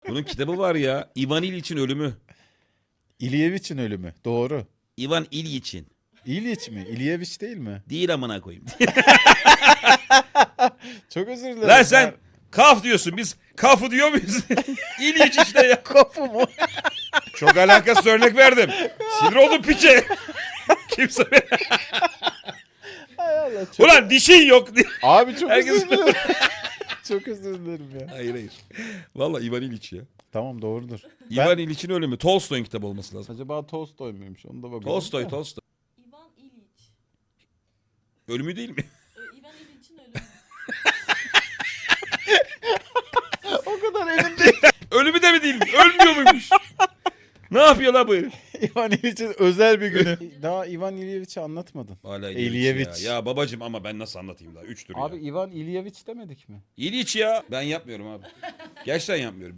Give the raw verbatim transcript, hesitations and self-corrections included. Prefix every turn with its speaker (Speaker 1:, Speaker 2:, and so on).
Speaker 1: Bunun kitabı var ya. Ivan İliç'in ölümü.
Speaker 2: İlyeviç'in ölümü. Doğru.
Speaker 1: Ivan İliç'in.
Speaker 2: İlyiç mi? İlyeviç değil mi?
Speaker 1: Değil amına koyayım.
Speaker 2: Çok özür dilerim.
Speaker 1: Lan sen kaf diyorsun. Biz kafı diyor muyuz? İliç işte ya.
Speaker 2: Kapı mı?
Speaker 1: Çok alakasız örnek verdim. Sinir oldum piçe. Kimse beni...
Speaker 2: Hay Allah. Çok...
Speaker 1: Ulan dişin yok.
Speaker 2: Abi çok
Speaker 1: Herkes-
Speaker 2: özür dilerim. Çok özür dilerim ya.
Speaker 1: Hayır hayır. Vallahi Ivan İliç ya.
Speaker 2: Tamam doğrudur.
Speaker 1: Ivan İliç'in ölümü. Tolstoy'un kitabı olması lazım.
Speaker 2: Acaba Tolstoy muymuş? Onu da bakalım.
Speaker 1: Tolstoy, Tolstoy.
Speaker 3: Ivan İliç.
Speaker 1: Ölümü değil mi?
Speaker 3: Ee, Ivan İliç'in ölümü.
Speaker 2: O kadar emin değil.
Speaker 1: Ölümü de mi değil? Ölmüyor muymuş? Ne yapıyor la bu herif?
Speaker 2: İvan İlyiç'in özel bir günü. Daha İvan İlyeviç'i anlatmadın.
Speaker 1: Hala
Speaker 2: İlyeviç.
Speaker 1: Ya. ya babacım ama ben nasıl anlatayım daha? Üçtür
Speaker 2: Abi
Speaker 1: ya.
Speaker 2: İvan İlyeviç demedik mi?
Speaker 1: İliç ya. Ben yapmıyorum abi. Gerçekten yapmıyorum.